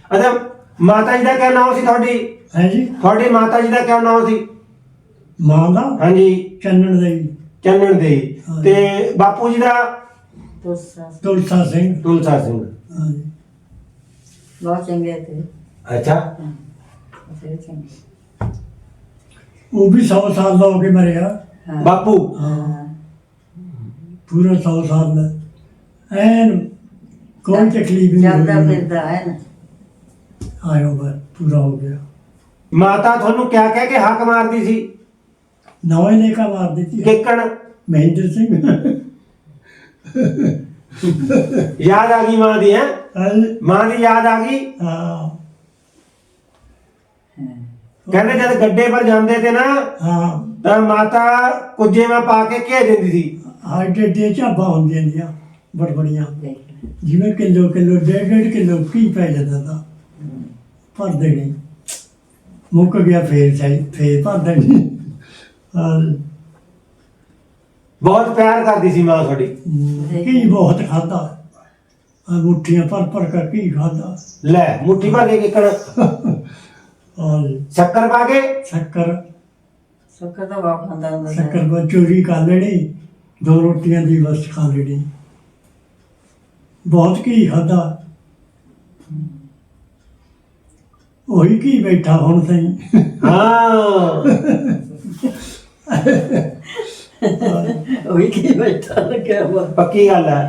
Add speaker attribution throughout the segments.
Speaker 1: अच्छा माता जी का क्या नाम सी थोड़ी
Speaker 2: है जी
Speaker 1: थोड़ी माता जी का क्या नाम सी
Speaker 2: मां का
Speaker 1: हाँ जी
Speaker 2: चन्नन देवी
Speaker 1: चन्नन दे
Speaker 2: हाँ
Speaker 1: ते बापू जी का
Speaker 2: तुलसा सिंह
Speaker 1: तुलसा सिंह
Speaker 2: हाँ जी
Speaker 3: बहुत चंगे थे।
Speaker 1: अच्छा
Speaker 3: बड़े चंगे।
Speaker 2: वो भी 100 साल का हो के मरे यार
Speaker 3: हाँ।
Speaker 1: बापू
Speaker 2: हाँ
Speaker 3: हाँ।
Speaker 2: पूरा 100 साल का एन कोई तकलीफ नहीं
Speaker 3: चलता
Speaker 2: हुई
Speaker 3: फिरता है ना।
Speaker 2: आयो बस पूरा हो गया
Speaker 1: माता थानू क्या कह के हक मारती सी
Speaker 2: नवा लेखा मार दी थी
Speaker 1: किकण
Speaker 2: महेंद्र सिंह
Speaker 1: याद आ गई मां दी है
Speaker 2: हाँ
Speaker 1: मां दी याद आ गई
Speaker 2: हाँ
Speaker 1: कहते जब गड्ढे पर जाते थे ना
Speaker 2: हाँ
Speaker 1: तो माता कुजे में पा के घे देती थी
Speaker 2: हार्ट डे ਝਾਬਾਂ ਹੁੰਦੀਆਂ ਦੀਆਂ ਬੜਬੜੀਆਂ
Speaker 3: देख ले।
Speaker 2: ਜਿਵੇਂ ਕਿਲੋ ਡੇਢ ਕਿਲੋ ਕੀ ਪੈ ਜਾਂਦਾ ਤਾਂ ਭਰ ਦੇਣੀ ਮੁੱਕ ਗਿਆ ਫੇਰ ਭਰ ਦੇਣੀ ਹਾਂ
Speaker 1: बहुत प्यार करती सी मां थोड़ी
Speaker 2: ਕੀ ਬਹੁਤ ਖਾਦਾ ਮੁੱਠੀਆਂ ਭਰ ਕੇ ਕੀ ਖਾਦਾ
Speaker 1: ले मुट्ठी भर के किकण
Speaker 2: ਔਰ
Speaker 1: शक्कर पा के
Speaker 2: ਸ਼ੱਕਰ
Speaker 3: शक्कर तो बहुत खांदा हुंदा था।
Speaker 2: ਸ਼ੱਕਰ ਬਾ ਚੋਰੀ ਕਰ ਲੈਣੀ 2 ਰੋਟੀਆਂ ਦੀ ਬਸ ਖਾ ਲੈਣੀ ਬਹੁਤ ਕੀ ਖਾਦਾ ਉਹੀ ਕੀ ਬੈਠਾ ਹੁਣ ਸਹੀ
Speaker 1: हाँ
Speaker 3: वही की बैठा लगा हुआ।
Speaker 1: पक्की गल है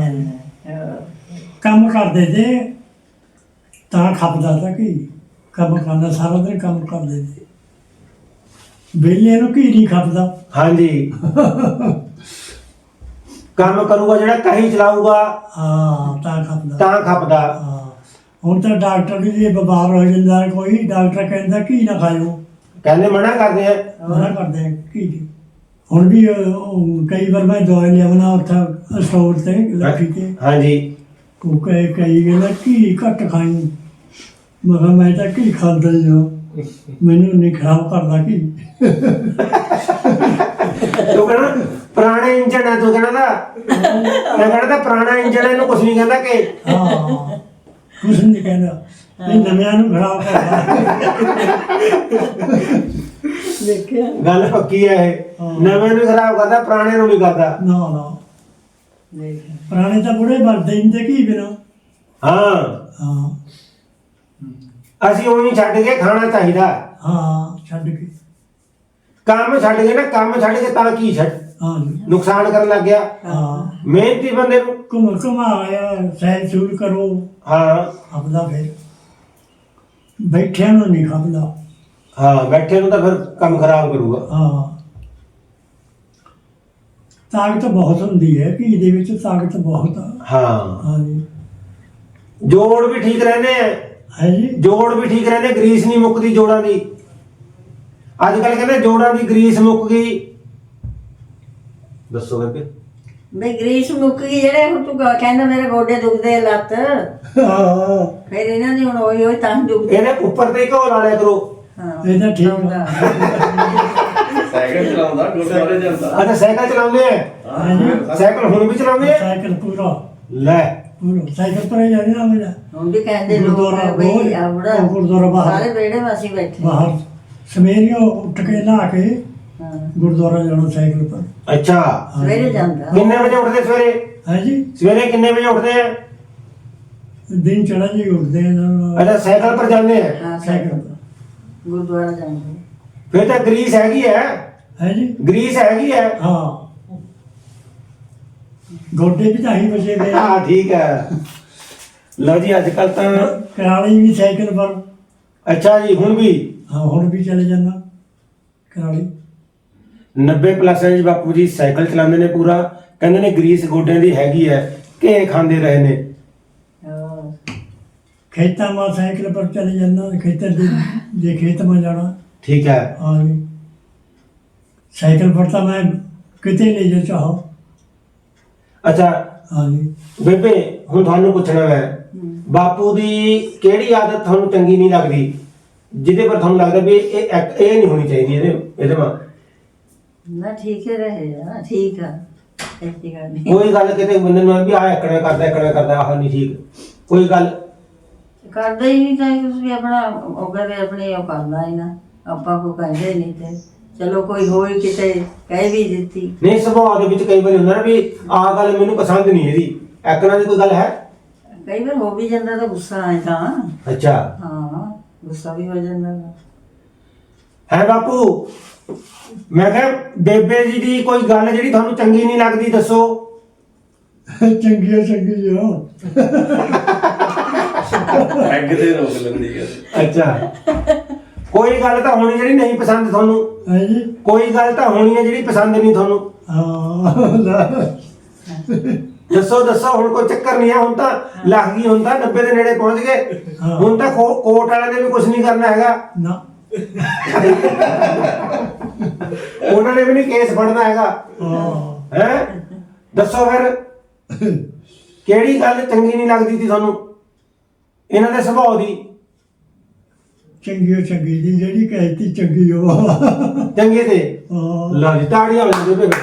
Speaker 2: ਕੰਮ ਕਰਦੇ ਤੇ ਤਾਂ ਖਪਦਾ ਤਾਂ ਕੀ ਕੰਮ ਕਰਨਾ ਸਾਰਾ ਦਿਨ ਕੰਮ ਕਰਦੇ ਤੇ ਵਿਹਲੇ ਨੂੰ ਕੀ ਨਹੀਂ ਖਪਦਾ
Speaker 1: हाँ जी काम करूगा जेड़ा कहीं चलाऊगा
Speaker 2: ਹਾਂ ਤਾਂ ਖਪਦਾ
Speaker 1: ਤਾਂ ਖਪਦਾ
Speaker 2: ਹਾਂ ਹੁਣ ਤਾਂ ਡਾਕਟਰ ਵੀ ਜੇ ਬਿਮਾਰ ਹੋ ਜਾਂਦਾ ਕੋਈ ਡਾਕਟਰ ਕਹਿੰਦਾ ਕੀ ਨਾ ਖਾਇਓ
Speaker 1: कहने मना करते हैं
Speaker 2: ਮਨਾ ਕਰਦੇ ਆ ਕੀ ਜੀ ਹੁਣ ਵੀ ਉਹ ਕਈ ਵਾਰ ਮੈਂ ਦਵਾਈ ਲਿਆਉਣਾ ਉੱਥੇ ਸਟੋਰ ਤੇ ਲੱਖੀ ਤੇ
Speaker 1: हाँ जी
Speaker 2: ਉਹ ਕਈ ਕਹਿੰਦਾ ਕੀ ਘੱਟ ਖਾਈ ਮੈਂ ਕਿਹਾ ਮੈਂ ਤਾਂ ਕੀ ਖਾਂਦਾ ਹੀ ਹਾਂ ਮੈਨੂੰ ਨਹੀਂ ਖਰਾਬ ਕਰਦਾ ਕੀ
Speaker 1: तू कहना पुराने इंजन है तू कहना था मैं कहना था पुराना इंजन है इन्हू कुछ नहीं कहता कि
Speaker 2: ਹਾਂ ਕੁਛ ਨਹੀਂ ਕਹਿੰਦਾ ਇਹ ਨਵਿਆਂ ਨੂੰ ਖਰਾਬ ਕਰਦਾ
Speaker 3: देखिए
Speaker 1: गल पक्की है ये
Speaker 2: हाँ।
Speaker 1: नवे नू खराब करता पुराने नू नहीं करता
Speaker 2: ਨਾ ਨਾ
Speaker 3: देखिए
Speaker 2: ਪੁਰਾਣੇ ਤਾਂ ਬੁੜੇ ਮਰਦੇ ਹੀ ਤੇ ਕੀ ਬਿਨਾ
Speaker 1: हाँ
Speaker 2: ਹਾਂ
Speaker 1: ਅਸੀਂ ਉਹੀ ਛੱਡ ਕੇ ਖਾਣਾ ਚਾਹੀਦਾ
Speaker 2: ਹਾਂ ਛੱਡ ਕੇ
Speaker 1: ਕੰਮ ਛੱਡ ਕੇ ਨਾ ਕੰਮ ਛੱਡ ਕੇ ਤਾਂ ਕੀ ਛੱਡ
Speaker 2: ਹਾਂ ਜੀ
Speaker 1: ਨੁਕਸਾਨ ਕਰਨ ਲੱਗ ਗਿਆ
Speaker 2: ਹਾਂ
Speaker 1: ਮਿਹਨਤੀ ਬੰਦੇ ਨੂੰ
Speaker 2: ਘੁਮਾਇਆ ਸੈਰ ਸੂਰ ਕਰੋ
Speaker 1: ਹਾਂ
Speaker 2: ਆਪਦਾ ਫਿਰ ਬੈਠਿਆਂ ਨੂੰ ਨਹੀਂ ਖਪਦਾ
Speaker 1: ਹਾਂ ਬੈਠੇ ਨੂੰ ਤਾਂ ਫਿਰ ਕੰਮ ਖਰਾਬ ਕਰੂਗਾ
Speaker 2: ਹਾਂ ਤਾਕਤ ਬਹੁਤ ਹੁੰਦੀ ਹੈ ਘੀ ਦੇ ਵਿੱਚ ਤਾਕਤ ਬਹੁਤ ਆ
Speaker 1: ਹਾਂ
Speaker 2: ਹਾਂ ਜੀ
Speaker 1: ਜੋੜ ਵੀ ਠੀਕ ਰਹਿੰਦੇ ਆ
Speaker 2: ਹੈ ਜੀ
Speaker 1: ਜੋੜ ਵੀ ਠੀਕ ਰਹਿੰਦੇ ਗਰੀਸ ਨਹੀਂ ਮੁੱਕਦੀ ਜੋੜਾਂ ਦੀ ਅੱਜ ਕੱਲ ਕਹਿੰਦੇ ਜੋੜਾਂ ਦੀ ਗਰੀਸ ਮੁੱਕ ਗਈ ਦੱਸੋ ਬੇਬੇ
Speaker 3: ਬਈ ਗਰੀਸ ਮੁੱਕ ਗਈ ਜਿਹੜੇ ਹੁਣ ਤੂੰ ਕਹਿੰਦਾ ਮੇਰੇ ਗੋਡੇ ਦੁਖਦੇ ਆ ਲੱਤ
Speaker 2: ਹਾਂ
Speaker 3: ਫਿਰ ਇਹਨਾਂ ਦੀ ਹੁਣ ਉਹੀ ਤਾਂ ਦੁਖਦੇ।
Speaker 1: ਇਹਦੇ ਉੱਪਰ ਤੇ ਘੋਲ ਵਾਲਿਆ ਕਰੋ
Speaker 3: ਹਾਂ
Speaker 2: ਇਹ ਤਾਂ ਠੀਕ ਆ।
Speaker 3: ਆਉਂਦਾ।
Speaker 4: ਸਾਈਕਲ ਚਲਾਉਂਦਾ ਗੁਰਦੁਆਰੇ ਜਾਂਦਾ
Speaker 1: ਅੱਛਾ ਸਾਈਕਲ ਚਲਾਉਂਦੇ ਆ
Speaker 2: ਹਾਂ ਜੀ
Speaker 1: ਸਾਈਕਲ ਹੁਣ ਵੀ ਚਲਾਉਂਦੇ ਆ
Speaker 2: ਸਾਈਕਲ ਪੂਰਾ
Speaker 1: ਲੈ
Speaker 2: ਪੂਰਾ ਸਾਈਕਲ ਪਰ ਜਾਂਦੇ ਨਾ ਮੇਰਾ
Speaker 3: ਹੁਣ ਵੀ ਕਹਿੰਦੇ ਲੋਕ
Speaker 2: ਗੁਰਦੁਆਰਾ
Speaker 3: ਬਈ
Speaker 2: ਬਹੁਤ-
Speaker 3: ਆਵੜਾ
Speaker 2: ਉਹ ਗੁਰਦੁਆਰਾ ਬਾਹਰ।
Speaker 3: ਸਾਰੇ ਵਿਹੜੇ ਵਾਸੀ ਬੈਠੇ।
Speaker 2: ਬਾਹਰ ਸਵੇਰੇ ਉੱਠ ਕੇ ਨਹਾ ਕੇ
Speaker 3: ਹਾਂ
Speaker 2: ਗੁਰਦੁਆਰਾ ਜਾਣਾ ਸਾਈਕਲ ਪਰ
Speaker 1: ਅੱਛਾ
Speaker 3: ਸਵੇਰੇ ਜਾਂਦਾ।
Speaker 1: ਕਿੰਨੇ ਵਜੇ ਉੱਠਦੇ ਸਵੇਰੇ
Speaker 2: ਹੈ ਜੀ
Speaker 1: ਸਵੇਰੇ ਕਿੰਨੇ ਵਜੇ ਉੱਠਦੇ ਆ
Speaker 2: ਦਿਨ ਚੜਾ ਜੀ ਉੱਠਦੇ ਆ ਨਾ
Speaker 1: ਅੱਛਾ ਸਾਈਕਲ ਪਰ ਜਾਂਦੇ ਆ
Speaker 3: ਹਾਂ
Speaker 2: ਸਾਈਕਲ
Speaker 3: ਸਾਈਕਲ
Speaker 2: ਪਰ
Speaker 3: ਗੁਰਦੁਆਰਾ ਜਾਂਦੇ।
Speaker 1: ਫਿਰ ਤਾਂ ਗਰੀਸ ਹੈਗੀ ਹੈ
Speaker 2: ਹੈ ਜੀ
Speaker 1: ਗਰੀਸ ਹੈਗੀ ਹੈ
Speaker 2: ਹਾਂ ਗੋਡੇ ਵੀ ਤਾਂ ਹੀ ਬਚੇ ਗਏ
Speaker 1: ਹਾਂ ਠੀਕ ਹੈ ਲਓ ਜੀ ਅੱਜ ਕੱਲ ਤਾਂ
Speaker 2: ਕਰਾਲੀ ਵੀ ਸਾਈਕਲ ਪਰ
Speaker 1: ਅੱਛਾ ਜੀ ਹੁਣ ਵੀ
Speaker 2: ਹਾਂ ਹੁਣ ਵੀ ਚਲੇ ਜਾਂਦਾ ਕਰਾਲੀ
Speaker 1: 90 ਪਲੱਸ ਹੈ ਜੀ ਬਾਪੂ ਜੀ ਸਾਈਕਲ ਚਲਾਉਂਦੇ ਨੇ ਪੂਰਾ ਕਹਿੰਦੇ ਨੇ ਗਰੀਸ ਗੋਡਿਆਂ ਦੀ ਹੈਗੀ ਹੈ ਘੇ ਖਾਂਦੇ ਰਹੇ ਨੇ
Speaker 3: ਹਾਂ
Speaker 2: ਖੇਤਾਂ ਮਾ ਸਾਈਕਲ ਪਰ ਚਲੇ ਜਾਂਦਾ ਖੇਤਾਂ ਦੇ ਜੇ ਖੇਤ ਮਾ ਜਾਣਾ
Speaker 1: ਠੀਕ ਹੈ
Speaker 2: ਹਾਂ ਜੀ ਸਾਈਕਲ ਪਰ ਤਾਂ ਮੈਂ ਕਿਤੇ ਲੈ ਜਾ ਚਾਹੋ
Speaker 1: ਅੱਛਾ
Speaker 2: ਹਾਂ ਜੀ
Speaker 1: ਬੇਬੇ ਹੁਣ ਤੁਹਾਨੂੰ ਪੁੱਛਣਾ ਹੈ ਬਾਪੂ ਦੀ ਕਿਹੜੀ ਆਦਤ ਤੁਹਾਨੂੰ ਚੰਗੀ ਨਹੀਂ ਲੱਗਦੀ ਜਿਹਦੇ ਪਰ ਤੁਹਾਨੂੰ ਲੱਗਦਾ ਵੀ ਇਹ ਨਹੀਂ ਹੋਣੀ ਚਾਹੀਦੀ ਇਹਦੇ ਮਾ
Speaker 3: ਨਾ ਠੀਕ ਹੀ ਰਹੇ ਠੀਕ ਆ ਐਸੀ ਗੱਲ ਨਹੀਂ।
Speaker 1: ਕੋਈ ਗੱਲ ਕਿਤੇ ਬੰਦੇ ਨੂੰ ਵੀ ਆ ਇਕੜਾ ਕਰਦਾ ਆਹ ਨਹੀਂ ਠੀਕ ਕੋਈ ਗੱਲ
Speaker 3: ਕਰਦੇ ਹੀ ਨਹੀਂ ਤਾਂ ਤੁਸੀਂ ਆਪਣਾ ਉਹ ਕਰੇ ਆਪਣੇ ਉਹ ਕਰਨਾ ਹੀ ਨਾ ਆਪਾਂ ਕੋ ਕਹਿੰਦੇ ਨਹੀਂ ਤੇ ਚਲੋ ਕੋਈ ਹੋਈ ਕਿਤੇ ਕਹਿ ਵੀ ਦਿੱਤੀ
Speaker 1: ਨਹੀਂ ਸੁਭਾਅ ਦੇ ਵਿੱਚ ਕਈ ਵਾਰੀ ਹੁੰਦਾ ਨਾ ਵੀ ਆਹ ਗੱਲ ਮੈਨੂੰ ਪਸੰਦ ਨਹੀਂ ਇਹਦੀ ਐਕਣਾ ਦੀ ਕੋਈ ਗੱਲ ਹੈ
Speaker 3: ਕਈ ਵਾਰ ਹੋ ਵੀ ਜਾਂਦਾ ਤਾਂ ਗੁੱਸਾ ਆਏ ਤਾਂ
Speaker 1: ਅੱਛਾ
Speaker 3: ਹਾਂ ਗੁੱਸਾ ਵੀ ਹੋ ਜਾਂਦਾ ਵਾ।
Speaker 1: ਹੈ ਬਾਪੂ ਮੈਂ ਕਿਹਾ ਬੇਬੇ ਜੀ ਦੀ ਕੋਈ ਗੱਲ ਜਿਹੜੀ ਤੁਹਾਨੂੰ ਚੰਗੀ ਨਹੀਂ ਲੱਗਦੀ ਦੱਸੋ
Speaker 2: ਚੰਗੀਆਂ ਚੰਗੀਆਂ
Speaker 4: ਅੱਗ ਤੇ ਰੋਕ ਲੈਂਦੀ ਹੈ।
Speaker 1: ਅੱਛਾ ਕੋਈ ਗੱਲ ਤਾਂ ਹੋਣੀ ਜਿਹੜੀ ਨਹੀਂ ਪਸੰਦ ਤੁਹਾਨੂੰ
Speaker 2: ਹੈ ਜੀ
Speaker 1: ਕੋਈ ਗੱਲ ਤਾਂ ਹੋਣੀ ਹੈ ਜਿਹੜੀ ਪਸੰਦ ਨਹੀਂ ਤੁਹਾਨੂੰ
Speaker 2: ਹਾਂ ਲੈ।
Speaker 1: ਦੱਸੋ ਦੱਸੋ ਹੁਣ ਕੋਈ ਚੱਕਰ ਨਹੀਂ ਹੈ ਹੁਣ ਤਾਂ ਲੱਗ ਗਈ ਹੁਣ ਤਾਂ 90 ਦੇ ਨੇੜੇ ਪਹੁੰਚ ਗਏ
Speaker 2: ਹਾਂ।
Speaker 1: ਹੁਣ ਤਾਂ ਕੋਰਟ ਵਾਲਿਆਂ ਨੇ ਵੀ ਕੁਝ ਨਹੀਂ ਕਰਨਾ ਹੈਗਾ
Speaker 2: ਨਾ
Speaker 1: ਉਹਨਾਂ ਨੇ ਵੀ ਨਹੀਂ ਕੇਸ ਫੜਨਾ ਹੈਗਾ
Speaker 2: ਹਾਂ
Speaker 1: ਹੈ ਦੱਸੋ ਫਿਰ ਕਿਹੜੀ ਗੱਲ ਚੰਗੀ ਨਹੀਂ ਲੱਗਦੀ ਸੀ ਤੁਹਾਨੂੰ ਇਹਨਾਂ ਦੇ ਸੁਭਾਅ ਦੀ
Speaker 2: ਚੰਗੀ ਚੰਗੀ ਦੀ ਜਿਹੜੀ ਕਹਿਤੀ ਚੰਗੀ ਉਹ
Speaker 1: ਚੰਗੇ ਤੇ
Speaker 2: ਹਾਂ
Speaker 1: ਲਓ ਜੀ ਤਾੜੀਆਂ ਹੋ ਜਾਂਦੇ ਬੇਬੇ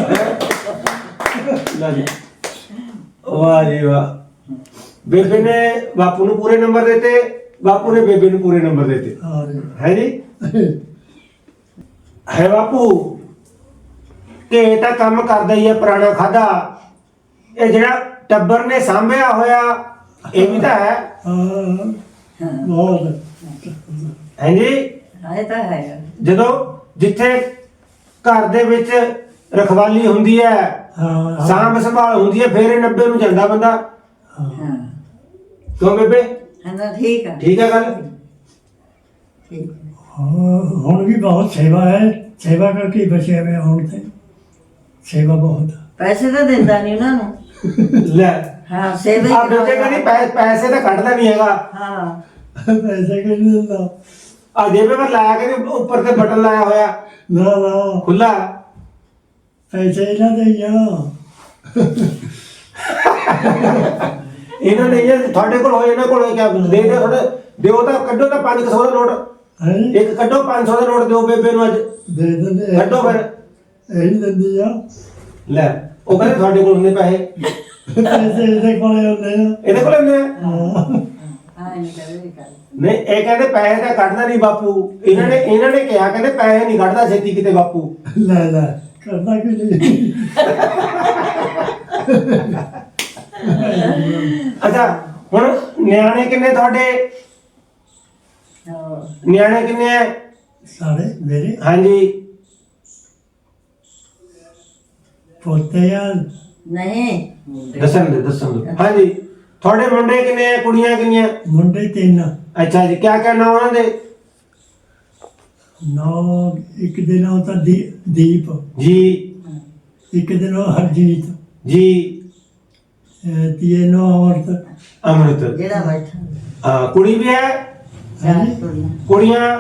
Speaker 1: ਲਓ ਜੀ ਵਾਹ ਜੀ ਵਾਹ ਬੇਬੇ ਨੇ ਬਾਪੂ ਨੂੰ ਪੂਰੇ ਨੰਬਰ ਦਿੱਤੇ ਬਾਪੂ ਨੇ ਬੇਬੇ ਨੂੰ ਪੂਰੇ ਨੰਬਰ ਦਿੱਤੇ
Speaker 2: ਹਾਂ ਜੀ।
Speaker 1: ਹੈ ਜੀ ਹੈ ਬਾਪੂ ਕਿ ਇਹ ਤਾਂ ਕੰਮ ਕਰਦਾ ਹੀ ਹੈ ਪੁਰਾਣਾ ਖਾਦਾ ਇਹ ਜਿਹੜਾ ਟੱਬਰ ਨੇ ਸਾਂਭਿਆ ਹੋਇਆ ਇਹ ਵੀ ਤਾਂ ਹੈ
Speaker 2: ਹਾਂ ਬਹੁਤ
Speaker 1: ਹੈ ਜੀ
Speaker 3: ਇਹ ਤਾਂ ਹੈਗਾ
Speaker 1: ਜਦੋਂ ਜਿੱਥੇ ਘਰ ਦੇ ਵਿੱਚ ਰਖਵਾਲੀ ਹੁੰਦੀ ਹੈ
Speaker 2: ਹਾਂ
Speaker 1: ਸਾਂਭ ਸੰਭਾਲ ਹੁੰਦੀ ਹੈ ਫਿਰ ਇਹ 90 ਨੂੰ ਜਾਂਦਾ ਬੰਦਾ
Speaker 2: ਹਾਂ
Speaker 3: ਹਾਂ
Speaker 1: ਕਿਉਂ ਬੇਬੇ
Speaker 3: ਹਾਂ ਠੀਕ ਆ
Speaker 1: ਠੀਕ ਹੈ ਗੱਲ
Speaker 3: ਠੀਕ
Speaker 2: ਹੁਣ ਵੀ ਬਹੁਤ ਸੇਵਾ ਹੈ ਸੇਵਾ ਕਰਕੇ ਹੀ ਬਚੇ ਹੋਏ ਹੁਣ ਤੇ ਸੇਵਾ ਬਹੁਤ
Speaker 3: ਪੈਸੇ ਤਾਂ ਦਿੰਦਾ ਨਹੀਂ ਉਹਨਾਂ ਨੂੰ
Speaker 1: ਲੈ
Speaker 3: ਹਾਂ ਸੇਵਾ
Speaker 1: ਆ
Speaker 3: ਹੀ
Speaker 1: ਬੇਬੇ ਕਹਿੰਦੀ ਪੈਸੇ ਤਾਂ ਕੱਢਦਾ ਨਹੀਂ ਹੈਗਾ
Speaker 3: ਹਾਂ
Speaker 2: ਪੈਸੇ ਕਿ ਨਹੀਂ ਦਿੰਦਾ
Speaker 1: ਆ ਜੇਬੇ ਪਰ ਲਾਇਆ ਕੇ ਉੱਪਰ ਤੇ ਬਟਨ ਲਾਇਆ ਹੋਇਆ
Speaker 2: ਨਾ ਨਾ
Speaker 1: ਖੁੱਲਾ
Speaker 2: ਪੈਸੇ ਇਹਨਾਂ ਦੇ ਹੀ ਆ
Speaker 1: ਇਹਨਾਂ ਨੇ ਇਹ ਤੁਹਾਡੇ ਕੋਲ ਹੋਏ ਇਹਨਾਂ ਕੋਲ ਹੋਏ ਕਿਆ ਦੇ ਦਿਓ ਥੋੜੇ ਦਿਓ ਤਾਂ ਕੱਢੋ ਤਾਂ 500 ਦਾ ਨੋਟ
Speaker 2: ਹੈ
Speaker 1: ਇੱਕ ਕੱਢੋ 500 ਦਾ ਨੋਟ ਦਿਓ ਬੇਬੇ ਨੂੰ ਅੱਜ
Speaker 2: ਦੇ ਦਿੰਦੇ ਆ।
Speaker 1: ਕੱਢੋ ਫਿਰ
Speaker 2: ਇਹੀ ਦਿੰਦੀ ਆ
Speaker 1: ਲੈ ਉਹ ਕਹਿੰਦੇ ਤੁਹਾਡੇ ਕੋਲ ਹੁੰਦੇ ਪੈਸੇ
Speaker 2: ਪੈਸੇ ਇਹਦੇ ਕੋਲੇ ਹੁੰਦੇ ਆ
Speaker 1: ਇਹਦੇ ਕੋਲ ਹੁੰਦੇ ਆ
Speaker 2: ਹਾਂ
Speaker 3: ਹਾਂ ਨਹੀਂ ਕਰੇ ਕਰ
Speaker 1: ਨਹੀਂ ਇਹ ਕਹਿੰਦੇ ਪੈਸੇ ਤਾਂ ਕੱਢਦਾ ਨਹੀਂ ਬਾਪੂ ਇਹਨਾਂ ਨੇ ਕਿਹਾ ਕਹਿੰਦੇ ਪੈਸੇ ਨਹੀਂ ਕੱਢਦਾ ਛੇਤੀ ਕਿਤੇ ਬਾਪੂ
Speaker 2: ਲੈ ਲੈ ਕਰਦਾ ਕਿ ਨਹੀਂ
Speaker 1: ਅੱਛਾ ਹੁਣ ਨਿਆਣੇ ਕਿੰਨੇ ਤੁਹਾਡੇ
Speaker 3: ਹਾਂ
Speaker 1: ਨਿਆਣੇ ਕਿੰਨੇ ਆ
Speaker 2: ਸਾਰੇ ਮੇਰੇ
Speaker 1: ਹਾਂਜੀ
Speaker 2: ਪੋਤੇ ਆ
Speaker 3: ਨਹੀਂ
Speaker 1: ਦੱਸਣ ਦੇ ਹਾਂਜੀ ਤੁਹਾਡੇ ਮੁੰਡੇ ਕਿੰਨੇ ਆ ਕੁੜੀਆਂ ਕਿੰਨੀਆਂ
Speaker 2: ਮੁੰਡੇ ਤਿੰਨ
Speaker 1: ਅੱਛਾ ਜੀ ਕਿਆ ਕਹਿਣਾ ਉਹਨਾਂ ਦੇ
Speaker 2: ਨੌ ਇੱਕ ਦਿਨ ਉਹ ਤਾਂ ਦੀਪ
Speaker 1: ਜੀ
Speaker 2: ਇੱਕ ਦਿਨ ਉਹ ਹਰਜੀਤ
Speaker 1: ਜੀ
Speaker 2: ਤੀਏ ਨੋ ਔਰਤ
Speaker 1: ਅੰਮ੍ਰਿਤ
Speaker 3: ਜਿਹੜਾ ਬੈਠਾ
Speaker 1: ਹਾਂ ਕੁੜੀ ਵੀ ਹੈ
Speaker 3: ਚਾਰ ਕੁੜੀਆਂ
Speaker 1: ਕੁੜੀਆਂ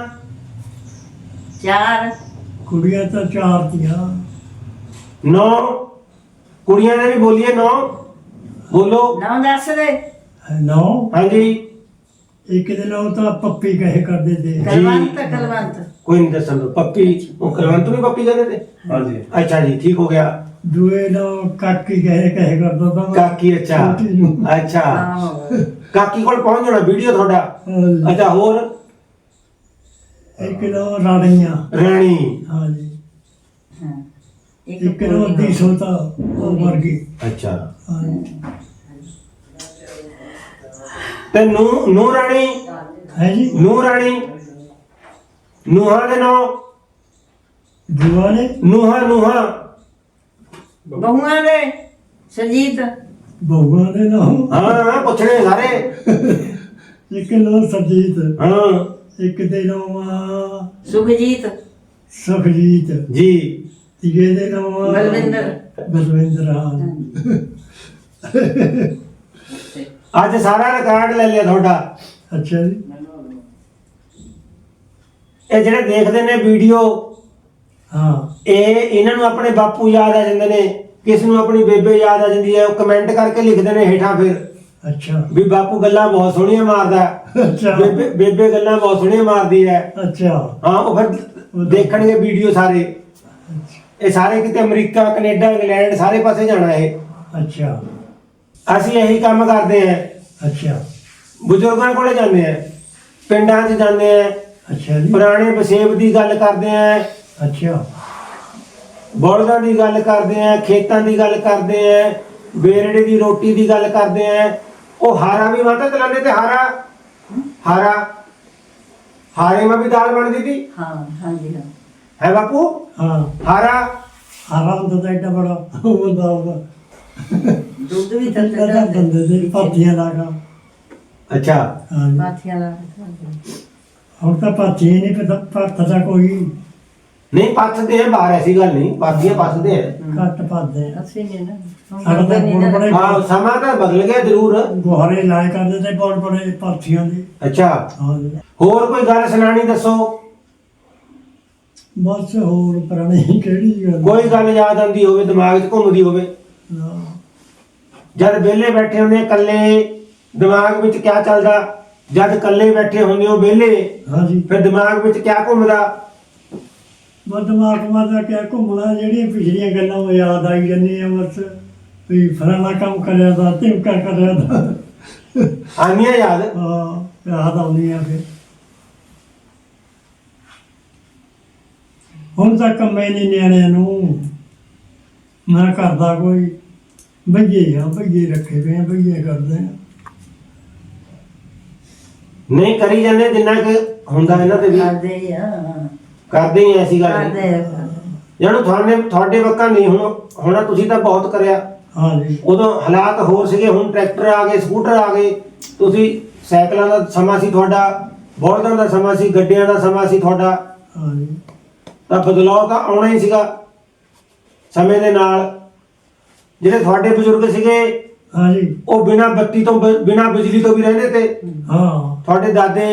Speaker 3: ਚਾਰ
Speaker 2: ਕੁੜੀਆਂ ਤਾਂ ਚਾਰ ਤੀਆਂ
Speaker 1: 9 ਕੁੜੀਆਂ ਨੇ ਵੀ ਬੋਲੀਏ 9 ਬੋਲੋ
Speaker 3: ਨਾਮ ਦੱਸ ਦੇ
Speaker 2: ਨੌ
Speaker 1: ਹਾਂਜੀ
Speaker 2: ਇੱਕ ਦਿਨ ਉਹ ਤਾਂ ਪੱਪੀ ਕਹੇ ਕਰਦੇ ਤੇ
Speaker 3: ਕਲਵੰਤ
Speaker 1: ਕੋਈ ਨਹੀਂ ਦੱਸਣ ਦੋ ਪੱਪੀ ਉਹ ਕਲਵੰਤ ਨੂੰ ਵੀ ਪੱਪੀ ਕਹਿੰਦੇ ਤੇ
Speaker 4: ਹਾਂਜੀ
Speaker 1: ਅੱਛਾ ਜੀ ਠੀਕ ਹੋ ਗਿਆ
Speaker 2: ਦੂਏ ਨੂੰ ਕਾਕੀ ਕਹੇ ਕਰਦਾ ਤਾਂ
Speaker 1: ਕਾਕੀ ਅੱਛਾ
Speaker 2: ਛੋਟੀ ਨੂੰ।
Speaker 1: ਅੱਛਾ
Speaker 3: ਆਹੋ
Speaker 1: ਕਾਕੀ ਕੋਲ ਪਹੁੰਚ ਜਾਣਾ ਵੀਡੀਓ ਤੁਹਾਡਾ
Speaker 2: ਹਾਂਜੀ।
Speaker 1: ਅੱਛਾ ਹੋਰ
Speaker 2: ਇੱਕ ਨੂੰ ਰਾਣੀਆਂ
Speaker 1: ਰਾਣੀ
Speaker 2: ਹਾਂਜੀ
Speaker 3: ਹਾਂ
Speaker 2: ਇੱਕ ਨੂੰ
Speaker 3: ਕੁੜੀ
Speaker 2: ਦੀ ਸੋਤਾ ਉਹ ਮਰ ਗਈ
Speaker 1: ਅੱਛਾ
Speaker 2: ਹਾਂਜੀ।
Speaker 1: ਤੇ ਨੂੰ ਰਾਣੀ
Speaker 2: ਹੈ ਜੀ
Speaker 1: ਨੂੰ ਰਾਣੀ ਨੂਹਾਂ ਦੇ ਨਾਂ
Speaker 2: ਦੂਆ ਨੇ
Speaker 1: ਨੂਹਾਂ
Speaker 3: ਬਹੂਆਂ ਦੇ ਸਰਜੀਤ
Speaker 2: ਬਹੂਆਂ ਦੇ ਨਾਮ
Speaker 1: ਹਾਂ ਪੁੱਛਣੇ ਸਾਰੇ
Speaker 2: ਇੱਕ ਨੂੰ ਸਰਜੀਤ
Speaker 1: ਹਾਂ
Speaker 2: ਇੱਕ ਦੇ ਨਾਮ
Speaker 3: ਸੁਖਜੀਤ
Speaker 2: ਸੁਖਜੀਤ
Speaker 1: ਜੀ
Speaker 2: ਤੀਏ ਦੇ ਨਾਮ
Speaker 3: ਬਲਵਿੰਦਰ
Speaker 2: ਬਲਵਿੰਦਰ ਹਾਂ
Speaker 1: ਅੱਜ ਸਾਰਾ ਰਿਕਾਰਡ ਲੈ ਲਿਆ ਤੁਹਾਡਾ
Speaker 2: ਅੱਛਾ ਜੀ
Speaker 1: ਇਹ ਜਿਹੜੇ ਦੇਖਦੇ ਨੇ ਵੀਡੀਓ
Speaker 2: ਹਾਂ
Speaker 1: ਇਹਨਾਂ ਨੂੰ ਆਪਣੇ ਬਾਪੂ ਯਾਦ ਆ ਜਾਂਦੇ ਨੇ ਕਿਸ ਨੂੰ ਆਪਣੀ ਬੇਬੇ ਯਾਦ ਆ ਜਾਂਦੀ ਹੈ ਉਹ ਕਮੈਂਟ ਕਰਕੇ ਲਿਖਦੇ ਨੇ ਹੇਠਾਂ ਫਿਰ
Speaker 2: ਅੱਛਾ
Speaker 1: ਵੀ ਬਾਪੂ ਗੱਲਾਂ ਬਹੁਤ ਸੋਹਣੀਆਂ ਮਾਰਦਾ ਹੈ।
Speaker 2: ਅੱਛਾ
Speaker 1: ਬੇਬੇ ਗੱਲਾਂ ਬਹੁਤ ਸੋਹਣੀਆਂ ਮਾਰਦੀ ਹੈ
Speaker 2: ਅੱਛਾ
Speaker 1: ਹਾਂ ਉਹ ਫਿਰ ਦੇਖਣਗੇ ਵੀਡੀਓ ਸਾਰੇ ਇਹ ਸਾਰੇ ਕਿਤੇ ਅਮਰੀਕਾ ਕੈਨੇਡਾ ਇੰਗਲੈਂਡ ਸਾਰੇ ਪਾਸੇ ਜਾਣਾ ਇਹ
Speaker 2: ਅੱਛਾ
Speaker 1: ਅਸੀਂ ਇਹੀ ਕੰਮ ਕਰਦੇ ਹਾਂ
Speaker 2: ਅੱਛਾ
Speaker 1: ਬਜ਼ੁਰਗਾਂ ਕੋਲੇ ਜਾਂਦੇ ਆ, ਪਿੰਡਾਂ 'ਚ ਜਾਂਦੇ ਆ,
Speaker 2: ਅੱਛਾ ਜੀ।
Speaker 1: ਪੁਰਾਣੇ ਵਸੇਬ ਦੀ ਗੱਲ ਕਰਦੇ ਆ,
Speaker 2: ਅੱਛਾ
Speaker 1: ਬਲਦਾਂ ਦੀ ਗੱਲ ਕਰਦੇ ਆ, ਖੇਤਾਂ ਦੀ ਗੱਲ ਕਰਦੇ ਆ, ਬੇਰੜੇ ਦੀ ਰੋਟੀ ਦੀ ਗੱਲ ਕਰਦੇ ਆ। ਉਹ ਹਾਰਾ ਵੀ ਮਾਤਾ ਚਲਾਉਂਦੇ ਤੇ ਹਾਰਾ ਹਾਰੇ ਮਾ ਵੀ ਦਾਲ ਬਣਦੀ ਸੀ
Speaker 3: ਹਾਂ ਹਾਂਜੀ ਹਾਂ
Speaker 1: ਹੈ ਬਾਪੂ।
Speaker 2: ਹਾਂ
Speaker 1: ਹਾਰਾ
Speaker 2: ਹਾਰਾ ਹੁੰਦਾ ਤਾਂ ਏਡਾ ਬੜਾ ਉਹ ਹੁੰਦਾ ਉਹਦਾ
Speaker 3: ਦੁੱਧ ਵੀ
Speaker 2: ਤਾਂ
Speaker 3: ਤੱਤਾ
Speaker 2: ਬੰਦੇ ਦੇ ਪਾਥੀਆਂ ਲਾਗਾ।
Speaker 1: ਅੱਛਾ
Speaker 2: ਹਾਂ ਜੀ।
Speaker 3: ਪਾਥੀਆਂ ਲਾ ਕੇ ਖਾਂਦੇ।
Speaker 2: ਹੁਣ ਤਾਂ ਪਾਥੀਆਂ ਨਹੀਂ ਪਤਾ ਭੱਤ ਦਾ ਕੋਈ
Speaker 1: ਨਹੀਂ ਪੱਥਦੇ ਆ ਬਾਹਰ, ਐਸੀ ਗੱਲ ਨਹੀਂ, ਪਾਥੀਆਂ ਪੱਥਦੇ ਆ।
Speaker 2: ਘੱਟ ਭੱਦੇ
Speaker 3: ਅਸੀਂ ਨਹੀਂ ਨਾ ਹੁਣ
Speaker 2: ਸਾਡਾ ਤਾਂ
Speaker 3: ਕਰਦੇ ਨਹੀਂ ਨਾ।
Speaker 2: ਬੜੇ
Speaker 1: ਹਾਂ ਸਮਾਂ ਤਾਂ ਬਦਲ ਗਿਆ ਜ਼ਰੂਰ।
Speaker 2: ਗੁਹਾਰੇ ਲਾਏ ਕਰਦੇ ਤੇ ਬਹੁਤ ਬੜੇ ਪਾਥੀਆਂ ਦੇ।
Speaker 1: ਅੱਛਾ
Speaker 2: ਹਾਂ ਜੀ।
Speaker 1: ਹੋਰ ਕੋਈ ਗੱਲ ਸੁਣਾਣੀ ਦੱਸੋ,
Speaker 2: ਬਸ ਹੋਰ ਪੁਰਾਣੀ ਕਿਹੜੀ ਗੱਲ
Speaker 1: ਕੋਈ ਗੱਲ ਯਾਦ ਆਉਂਦੀ ਹੋਵੇ, ਦਿਮਾਗ 'ਚ ਘੁੰਮਦੀ ਹੋਵੇ,
Speaker 2: ਹਾਂ।
Speaker 1: ਜਦ ਵਿਹਲੇ ਬੈਠੇ ਹੁੰਦੇ ਆ ਇਕੱਲੇ, ਦਿਮਾਗ ਵਿੱਚ ਕਿਆ ਚੱਲਦਾ? ਜਦ ਇਕੱਲੇ ਬੈਠੇ ਹੁੰਦੇ ਹੋ ਵਿਹਲੇ,
Speaker 2: ਹਾਂ ਜੀ।
Speaker 1: ਫਿਰ ਦਿਮਾਗ ਵਿੱਚ ਕਿਆ ਘੁੰਮਦਾ?
Speaker 2: ਦਿਮਾਗ ਮਾਦਾ ਕਿਆ ਘੁੰਮਣਾ, ਜਿਹੜੀਆਂ ਪਿਛਲੀਆਂ ਗੱਲਾਂ ਉਹ ਯਾਦ ਆਈ ਜਾਂਦੀਆਂ ਬਸ ਵੀ ਫਲਾਣਾ ਕੰਮ ਕਰਿਆ ਦਾ ਧਿਮਕਾ ਕਰਿਆ ਦਾ
Speaker 1: ਆਉਂਦੀਆਂ ਯਾਦ?
Speaker 2: ਹਾਂ ਯਾਦ ਆਉਂਦੀਆਂ ਫਿਰ। ਹੁਣ ਤਾਂ ਕੰਮੇ ਨਹੀਂ ਨਿਆਣਿਆਂ ਨੂੰ, ਮੈਂ ਕਰਦਾ ਕੋਈ ਬਈਏ ਰੱਖੇ ਪਏ ਆ, ਬਈਏ ਕਰਦੇ ਆ।
Speaker 1: ਨਹੀਂ ਕਰੀ ਜਾਂਦੇ ਜਿੰਨਾ ਕਿ ਹੁੰਦਾ ਇਹਨਾਂ ਤੇ ਵੀ
Speaker 3: ਕਰਦੇ ਹੀ ਆ
Speaker 1: ਕਰਦੇ ਹੀ ਆ, ਐਸੀ ਗੱਲ ਨਹੀਂ।
Speaker 3: ਕਰਦੇ ਆ।
Speaker 1: ਜਾਨੂੰ ਤੁਹਾਡੇ ਵਕਾ ਨਹੀਂ ਹੋਣਾ, ਤੁਸੀਂ ਤਾਂ ਬਹੁਤ ਕਰਿਆ।
Speaker 2: ਹਾਂ ਜੀ।
Speaker 1: ਉਦੋਂ ਹਾਲਾਤ ਹੋਰ ਸੀਗੇ, ਹੁਣ ਟਰੈਕਟਰ ਆ ਗਏ, ਸਕੂਟਰ ਆ ਗਏ, ਤੁਸੀਂ ਸਾਈਕਲਾਂ ਦਾ ਸਮਾਂ ਸੀ ਤੁਹਾਡਾ, ਬਲਦਾਂ ਦਾ ਸਮਾਂ ਸੀ, ਗੱਡੀਆਂ ਦਾ ਸਮਾਂ ਸੀ ਤੁਹਾਡਾ,
Speaker 2: ਹਾਂ ਜੀ।
Speaker 1: ਤਾਂ ਬਦਲਾਅ ਤਾਂ ਆਉਣਾ ਹੀ ਸੀਗਾ ਸਮੇਂ ਦੇ ਨਾਲ। ਜਿਹੜੇ ਤੁਹਾਡੇ ਬਜ਼ੁਰਗ ਸੀਗੇ
Speaker 2: ਹਾਂ ਜੀ।
Speaker 1: ਉਹ ਬਿਨਾਂ ਬੱਤੀ ਤੋਂ ਬਿਨਾਂ ਬਿਜਲੀ ਤੋਂ ਵੀ ਰਹਿੰਦੇ ਤੇ।
Speaker 2: ਹਾਂ
Speaker 1: ਤੁਹਾਡੇ ਦਾਦੇ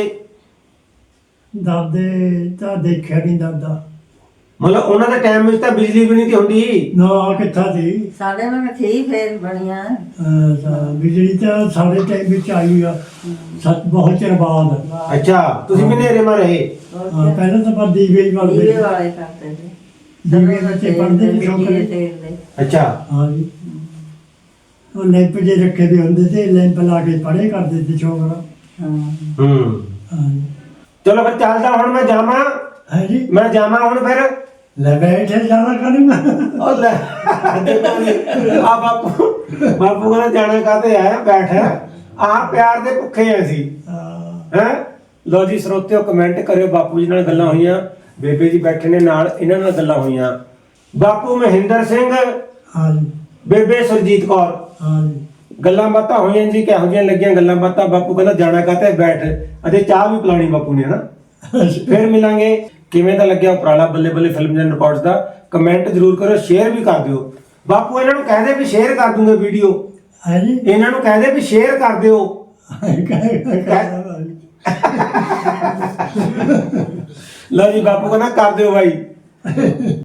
Speaker 2: ਦਾਦੇ ਤਾਂ ਦੇਖਿਆ ਨਹੀਂ ਦਾਦਾ,
Speaker 1: ਮਤਲਬ ਉਹਨਾਂ ਦੇ ਟਾਈਮ ਵਿੱਚ ਤਾਂ ਬਿਜਲੀ ਵੀ ਨਹੀਂ ਸੀ ਹੁੰਦੀ।
Speaker 2: ਨਾ ਕਿੱਥਾ ਸੀ।
Speaker 3: ਸਾਡੇ ਮੈਂ ਠੀਕ ਫੇਰ ਬਣੀਆਂ।
Speaker 2: ਬਿਜਲੀ ਤਾਂ ਸਾਡੇ ਟਾਈਮ ਵਿੱਚ ਆਈ ਆ ਬਹੁਤ ਚਿਰ ਬਾਅਦ।
Speaker 1: ਅੱਛਾ ਤੁਸੀਂ ਵੀ ਹਨੇਰੇ ਮਾ ਰਹੇ?
Speaker 3: ਹੋਰ
Speaker 2: ਹਾਂ,
Speaker 3: ਕਿਆ।
Speaker 2: ਪਹਿਲਾਂ ਤਾਂ ਆਪਾਂ ਦੀਵੇ ਹੀ
Speaker 3: ਦੀਵੇ
Speaker 2: ਬਲਦੇ
Speaker 3: ਵਾਲੇ ਕਰਦੇ ਸੀ।
Speaker 2: ਦੀਵੇ ਬੱਚੇ ਪੜ੍ਹਦੇ ਸੀ ਸ਼ੌਂਕ
Speaker 3: ਦੀਵੇ
Speaker 2: ਨਾਲ।
Speaker 3: ਤੇਲ ਦੇ।
Speaker 1: ਅੱਛਾ
Speaker 2: ਹਾਂ ਜੀ। ਉਹ ਲੈਂਪ ਜੇ ਰੱਖੇ ਵੀ ਹੁੰਦੇ ਤੇ ਲੈਂਪ ਲਾ ਕੇ ਪੜ੍ਹੇ ਕਰਦੇ ਸੀ ਛੋਕਰਾ।
Speaker 3: ਹਾਂ
Speaker 1: ਹੂੰ
Speaker 2: ਹਾਂ ਜੀ।
Speaker 1: ਚਲੋ ਫਿਰ ਚੱਲਦਾ ਹੁਣ, ਮੈਂ ਜਾਵਾਂ,
Speaker 2: ਹੈ ਜੀ।
Speaker 1: ਮੈਂ ਜਾਵਾਂ ਹੁਣ ਫਿਰ।
Speaker 2: ਲੈ ਬੈਠੇ ਜਾਣਾ ਕਰੂੰਗਾ।
Speaker 1: ਉਹ ਲੈ ਆ ਬਾਪੂ ਕਹਿੰਦਾ ਜਾਣਾ ਕਾਤੇ ਆਇਆ, ਬੈਠ। ਆਹ ਪਿਆਰ ਦੇ ਭੁੱਖੇ ਆ ਅਸੀਂ ਹੈ। ਲੋ ਜੀ ਸਰੋਤਿਓ, ਕਮੈਂਟ ਕਰਿਓ। ਬਾਪੂ ਜੀ ਨਾਲ ਗੱਲਾਂ ਹੋਈਆਂ, ਬੇਬੇ ਜੀ ਬੈਠੇ ਨੇ ਨਾਲ, ਇਹਨਾਂ ਨਾਲ ਗੱਲਾਂ ਹੋਈਆਂ। ਬਾਪੂ ਮਹਿੰਦਰ ਸਿੰਘ,
Speaker 2: ਹਾਂ ਜੀ।
Speaker 1: ਬੇਬੇ ਸੁਰਜੀਤ ਕੌਰ,
Speaker 2: ਹਾਂ ਜੀ।
Speaker 1: ਗੱਲਾਂ ਬਾਤਾਂ ਹੋਈਆਂ ਜੀ। ਕਿਹੋ ਜਿਹੀਆਂ ਲੱਗੀਆਂ ਗੱਲਾਂ ਬਾਤਾਂ? ਬਾਪੂ ਕਹਿੰਦਾ ਜਾਣਾ ਕਾਤੇ, ਬੈਠ। ਅਤੇ ਚਾਹ ਵੀ ਪਿਲਾਣੀ ਬਾਪੂ ਨੇ ਨਾ। ਫਿਰ ਮਿਲਾਂਗੇ। ਕਿਵੇਂ ਦਾ ਲੱਗਿਆ ਉਪਰਾਲਾ ਬੱਲੇ ਬੱਲੇ ਫਿਲਮ ਐਂਡ ਰਿਕਾਰਡਸ ਦਾ? ਕਮੈਂਟ ਜ਼ਰੂਰ ਕਰੋ, ਸ਼ੇਅਰ ਵੀ ਕਰ ਦਿਓ। ਬਾਪੂ ਇਹਨਾਂ ਨੂੰ ਕਹਦੇ ਵੀ ਸ਼ੇਅਰ ਕਰ ਦੂੰਗੇ ਵੀਡੀਓ,
Speaker 2: ਹੈ ਜੀ।
Speaker 1: ਇਹਨਾਂ ਨੂੰ ਕਹਦੇ ਵੀ ਸ਼ੇਅਰ ਕਰ ਦਿਓ। ਲਓ ਜੀ ਬਾਪੂ ਕਹਿੰਦਾ ਕਰ ਦਿਓ ਬਾਈ।